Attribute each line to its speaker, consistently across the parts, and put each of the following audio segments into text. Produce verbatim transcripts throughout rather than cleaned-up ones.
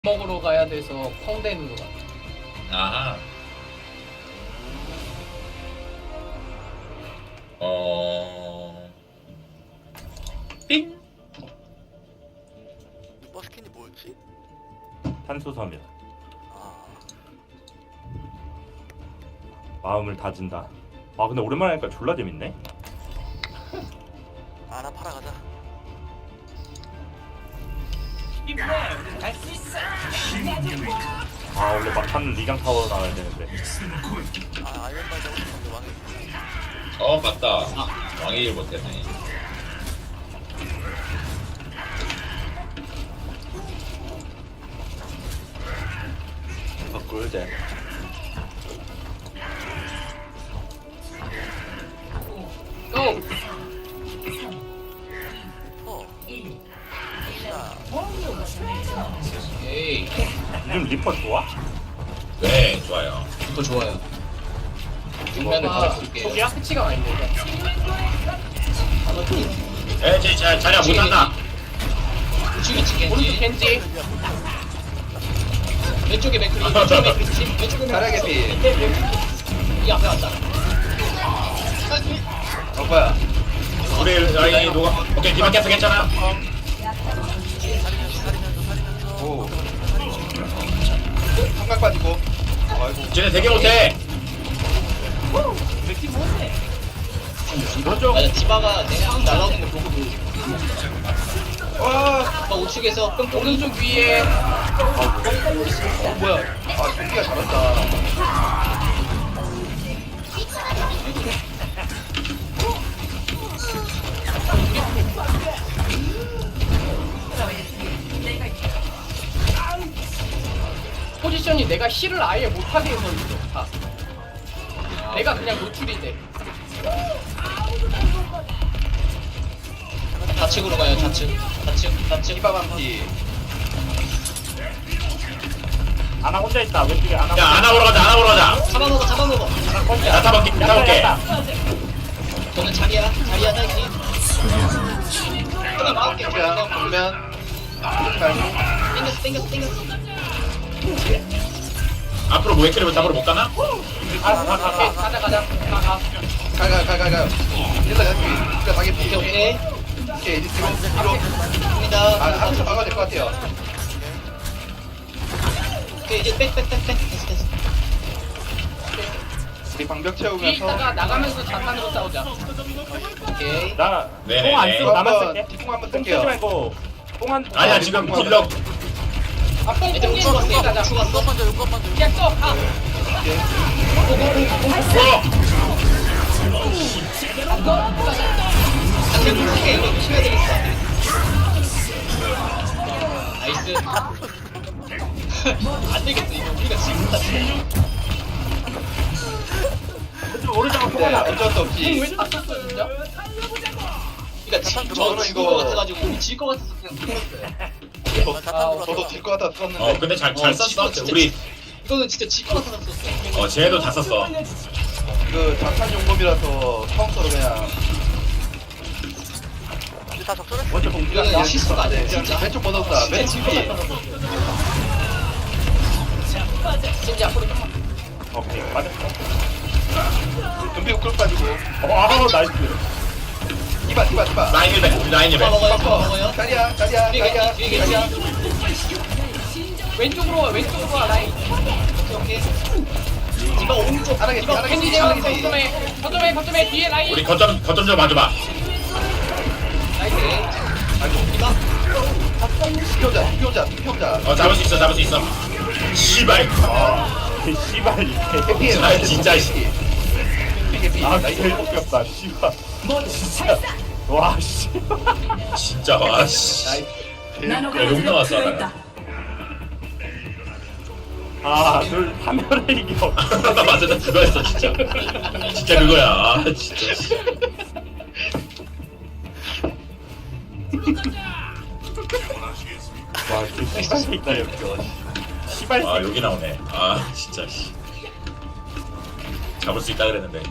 Speaker 1: 먹으러 가야 돼서 펑대는 것 같아.
Speaker 2: 아하. 어. 삥.
Speaker 3: 버스킨이 뭐였지?
Speaker 4: 탄수섬유.
Speaker 3: 아,
Speaker 4: 마음을 다진다. 아 근데 오랜만에 하니까 졸라 재밌네.
Speaker 3: 아나 팔아 가자.
Speaker 4: 아 원래 막타는 리강 타워 나와야 되는데.
Speaker 3: 아 아이언발 잡고 싶은데 왕이.
Speaker 2: 어 맞다. 왕의 일 못했네.
Speaker 4: 아 꿀잼.
Speaker 1: 고!
Speaker 3: 어. 자,
Speaker 1: 에이,
Speaker 4: 요즘 리퍼 좋아?
Speaker 2: 네 좋아요.
Speaker 1: 이거 좋아요. 육면을
Speaker 4: 아,
Speaker 1: 받아줄게요.
Speaker 4: 초기야?
Speaker 1: 패치가 많이 되죠.
Speaker 2: 에제 자 자리야 못한다.
Speaker 1: 우측이 치겠지. 오른쪽 겐지. 왼쪽에 맥크리. 왼쪽에 맥크리. 왼쪽에 맥크리. 이 앞에 왔다.
Speaker 4: 어 뭐야?
Speaker 2: 우리 라인이 누가? 오케이 디바 깼어 괜찮아.
Speaker 3: 살리면서 살리면서 살리면서.
Speaker 4: 오. 삼각 빠지고. 아이고.
Speaker 2: 쟤네 되게 못해.
Speaker 4: 이거죠?
Speaker 1: 맞아, 디바가 내가 날아오는 거 보고 그
Speaker 4: 와.
Speaker 1: 막 우측에서 끔 오른쪽 위에. 어, 뭐야?
Speaker 4: 아 승기가 잘한다.
Speaker 1: 포지션이 내가 힐을 아예 못하게 해서 있어. 다. 내가 그냥 노출이 돼. 좌측으로 가요. 좌측. 좌측. 좌측.
Speaker 4: 이바밤피. 아나 혼자 있다. 왼쪽에 아나.
Speaker 2: 야 아나 보러 가자. 아나 보러 가자.
Speaker 1: 잡아먹어. 잡아먹어.
Speaker 2: 나 타볼게. 나 타볼게.
Speaker 1: 저는 자리야. 자리야. 자리. 하나 막을게.
Speaker 4: 그냥 보면.
Speaker 1: 땡겼어. 땡겼어. 땡겼어.
Speaker 2: 앞으로 모에크를 잡으러 못 가나?
Speaker 4: 아가 가
Speaker 1: 오케이.
Speaker 4: 가.
Speaker 1: 가자. 가자. 가. 가.
Speaker 4: 가가 가 가가. 일단 여기. 그러니까 자기
Speaker 1: 오케이. 오케이.
Speaker 4: 오케이 이제 뒤로 뒤로.
Speaker 1: 갑니다.
Speaker 4: 아 한쪽 막아야 될 것 같아요.
Speaker 1: 오케이. 이제 백. 백. 백. 백. 됐어. 됐어.
Speaker 4: 우리 방벽
Speaker 1: 뒤에
Speaker 4: 채우면서.
Speaker 1: 있다가 나가면서 자탄으로 싸우자. 오케이.
Speaker 4: 나
Speaker 2: 네네네.
Speaker 4: 똥안 쓰고 나만 쓸게.
Speaker 3: 똥
Speaker 4: 똥
Speaker 3: 한번
Speaker 4: 쓰지
Speaker 3: 쓸게요.
Speaker 4: 말고 똥한.
Speaker 2: 아니야 지금 딜러.
Speaker 1: 아, 뽕 뽕이 죽었어. 가자.
Speaker 3: 죽었어. 욕건 먼저 욕건 먼저.
Speaker 1: 그냥 써. 가. 당근 크게 이거 치워야 되겠어. 나이스. 안 되겠어. 이거 우리가 지금 다
Speaker 4: 오른쪽
Speaker 3: 네, 어쩔 수 없지.
Speaker 1: 왜다 썼어 진짜? 그러니까 지, 저
Speaker 3: 저는
Speaker 1: 죽을
Speaker 3: 이거-
Speaker 1: 것 같아가지고 우리 질 것 같아서 그냥 풀었어요.
Speaker 3: 저도
Speaker 4: 저도 질 것 같아 썼는데.
Speaker 2: 어 근데 잘 잘
Speaker 1: 어,
Speaker 2: 썼어.
Speaker 1: 진짜
Speaker 2: 우리
Speaker 1: 이거는 진짜 질 것 같아서 썼어.
Speaker 2: 어 쟤도 다 썼어.
Speaker 4: 그 자탄 용법이라서 카운터로 그냥
Speaker 3: 이제 다 적절해?
Speaker 4: 먼저 공기가
Speaker 1: 이거는 실수가 아니야, 진짜.
Speaker 4: 왼쪽 번호다.
Speaker 1: 진짜 질 것
Speaker 4: 왼쪽
Speaker 1: 같아서 썼어. 이제 앞으로 좀만.
Speaker 4: 오케이 맞았어. 금비 우클 빠지고. 어 아우 나이스. 이봐 이봐 이봐.
Speaker 2: 라인 일백. 우리 라인 일백.
Speaker 1: 다 먹어요. 다 먹어요.
Speaker 4: 자리야 자리야
Speaker 1: 뒤에
Speaker 4: 자리야
Speaker 1: 계시, 뒤에
Speaker 4: 자리야.
Speaker 1: 왼쪽으로 와. 왼쪽으로 와. 라인. 오케이 오케이. 이거 오른쪽.
Speaker 4: 하나 개피,
Speaker 1: 이거
Speaker 4: 하나
Speaker 1: 캔디
Speaker 4: 개피,
Speaker 1: 제어
Speaker 4: 하나 개피.
Speaker 1: 거점에 거점에 거점에 뒤에 라인.
Speaker 2: 우리 거점 거점 좀 봐줘봐.
Speaker 1: 나이스.
Speaker 4: 아이고
Speaker 1: 이봐.
Speaker 4: 피오자 피오자 피오자.
Speaker 2: 어 잡을 수 있어 잡을 수 있어. 씨발.
Speaker 4: 아 씨발 이게.
Speaker 2: 아 진짜 씨.
Speaker 4: 개피. 아 제일 웃겼다 씨발. 진짜. 와 씨.
Speaker 2: 진짜 와 씨. 야욕 나왔어 하다가.
Speaker 4: 아둘 화면을 이겨.
Speaker 2: 맞아 나 그거였어 진짜. 진짜 그거야. 아 진짜. 씨.
Speaker 4: 와 진짜 씨발 새끼다 여기. 씨발
Speaker 2: 아
Speaker 4: 새끼.
Speaker 2: 여기 나오네. 아 진짜 씨. 잡을 수 있다 그랬는데.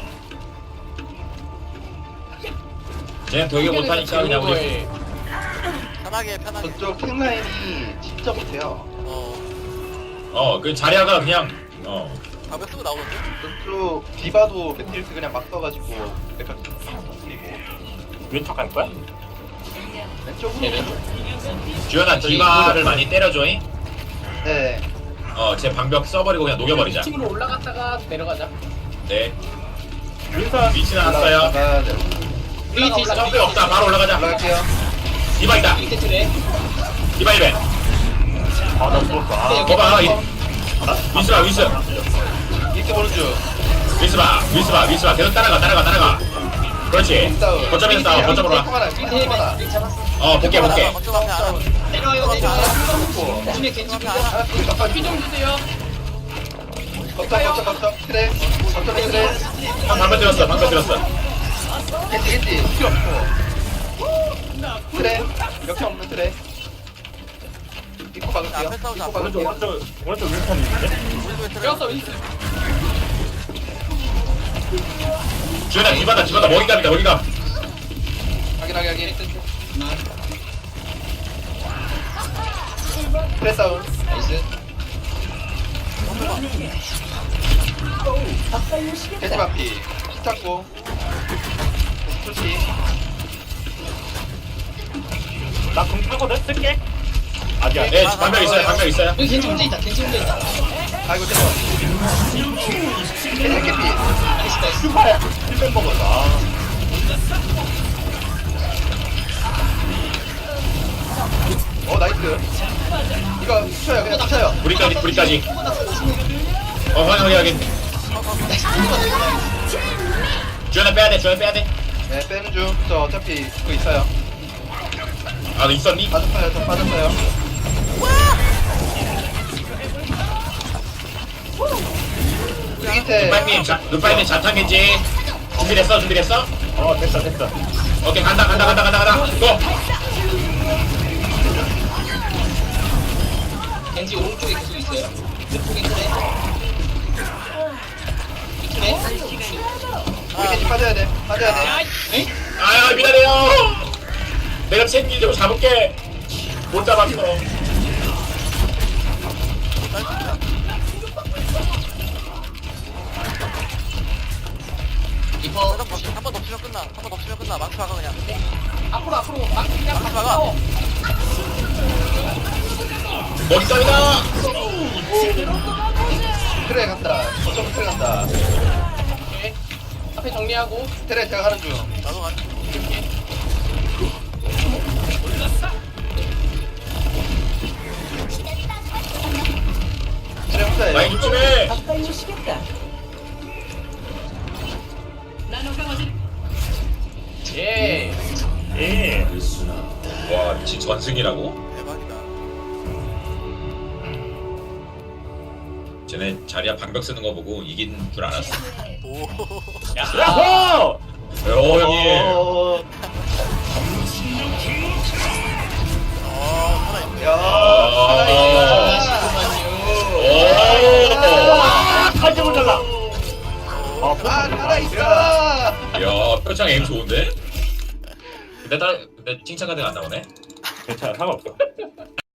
Speaker 2: 쟤는 되게 못하니까 그냥 우리
Speaker 1: 거에
Speaker 3: 편하게 편하게.
Speaker 4: 저쪽 탱라인이 진짜 못해요.
Speaker 3: 어
Speaker 2: 어 그 자리아가 그냥 어
Speaker 3: 가볍 쓰고 나오던데?
Speaker 4: 또 디바도 매트릭스 그냥 막 써가지고 약간 그리고
Speaker 5: 왼쪽 갈 거야?
Speaker 4: 왼쪽으로
Speaker 1: 네,
Speaker 2: 주연아 디바를 많이 때려줘잉.
Speaker 4: 네
Speaker 2: 어제 방벽 써버리고 그냥 녹여버리자.
Speaker 1: 층으로 올라갔다가 내려가자.
Speaker 2: 네
Speaker 5: 윈선
Speaker 2: 위치 나왔어요.
Speaker 4: 올라가야 돼.
Speaker 1: 올라가 올라가.
Speaker 2: 점프 없다. 바로 올라가자.
Speaker 4: 올라갈게요.
Speaker 2: 디바 있다.
Speaker 1: 밑에 틀에.
Speaker 2: 디바 이벤.
Speaker 5: 아나 죽었어 아
Speaker 2: 거봐. 위스봐 위스.
Speaker 4: 이렇게 보는 중.
Speaker 2: 위스봐 위스봐 위스봐. 계속 따라가 따라가 따라가. 그렇지.
Speaker 4: 싸움.
Speaker 2: 거점에서 싸워. 거점으로 와.
Speaker 4: 하나,
Speaker 1: 밑에
Speaker 4: 하나.
Speaker 1: 네, 잡았어.
Speaker 2: 어 볼게 볼게.
Speaker 3: 거점 앞에 알아
Speaker 1: 내려와요 내려와요. 나중에 겐지
Speaker 3: 거점
Speaker 1: 보자.
Speaker 3: 앞에 알아
Speaker 4: 하나, 둘, 깜빡이.
Speaker 1: 피좀 주세요.
Speaker 4: 걷다, 걷다, 걷다. 그래. 걷다, 그래.
Speaker 2: 형 방벽 들었어. 방벽 들었어.
Speaker 4: 겐지, 겐지. 필요 없어. 그래. 역시 없는 그래. 입고 박을게요.
Speaker 3: 앞에 싸우자,
Speaker 4: 입고
Speaker 3: 앞에.
Speaker 5: 오른쪽
Speaker 4: 박을게요.
Speaker 5: 오른쪽 오른쪽 윈선 있는데?
Speaker 3: 우리 왜
Speaker 1: 배웠어 윈스.
Speaker 2: 주연아 디바다 디바다 먹이감이다 먹이감.
Speaker 4: 확인하게, 확인. 그래, 싸움.
Speaker 1: 나이스.
Speaker 4: 겐지 반피. 키 찾고. 좋지.
Speaker 5: 나금 타거든? 쓸게 아니야
Speaker 2: 네 방벽 있어요. 방벽 있어요.
Speaker 1: 여기 겐지 혼자 있다. 겐지 혼자 있다.
Speaker 4: 아이고, 됐어. 겐지 개피.
Speaker 1: 나이스 나이스.
Speaker 5: 슈퍼야 힐맨 먹었어 아
Speaker 4: 어, 나이스. 이거 붙여요, 그냥 붙여요.
Speaker 2: 우리까지 우리까지. 어 확인 확인 확인. 주연아 빼야 돼. 주연아 빼야 돼.
Speaker 4: 네, 빼는 중. 저 어차피 그거 있어요.
Speaker 2: 아 너 있었니?
Speaker 4: 빠졌어요, 저 빠졌어요. 우리 밑에
Speaker 2: 루파이님 자 루파이님 자탄겐지 준비됐어 준비됐어?
Speaker 5: 어 됐어 됐어
Speaker 2: 오케이 간다 간다 간다 간다 간다 고!
Speaker 1: 겐지 오른쪽에 계속 있어요. 왼쪽에 그래. 그래.
Speaker 4: 우리 겐지 빠져야 돼. 빠져야 돼.
Speaker 1: 에?
Speaker 2: 아야 미안해요 내가 챙기려고 잡을게 못 잡았어
Speaker 1: 리퍼
Speaker 3: 한번 더 치면 끝나 한 번 더 치면 끝나 망치 박아 그냥
Speaker 1: 앞으로 앞으로 막 그냥
Speaker 3: 막
Speaker 1: 막
Speaker 3: 막아.
Speaker 1: 싸워.
Speaker 2: 머리감이다
Speaker 4: 트레 간다. 어쩜 트레 간다.
Speaker 1: 오케이. 앞에 정리하고.
Speaker 4: 트레 제가 하는 중.
Speaker 3: 나도 가
Speaker 4: 트레 혼자예요.
Speaker 2: 많이 조심해
Speaker 1: 예.
Speaker 5: 예
Speaker 2: 와 미친 전승이라고?
Speaker 3: 대박이다
Speaker 2: 쟤네 자리야 방벽 쓰는 거 보고 이긴 줄 알았어
Speaker 3: 오
Speaker 5: 야호!
Speaker 2: 오 형님
Speaker 4: 어,
Speaker 3: 어, 살아있네.
Speaker 4: 야,
Speaker 2: 아.
Speaker 4: 살아있어.
Speaker 2: 오
Speaker 5: 칼집을 잘라 아
Speaker 4: 아, 살아있어.
Speaker 2: 야 표창 에임 좋은데? 근데 딸 근데 칭찬 가드가 안 나오네?
Speaker 5: 괜찮아 상관없어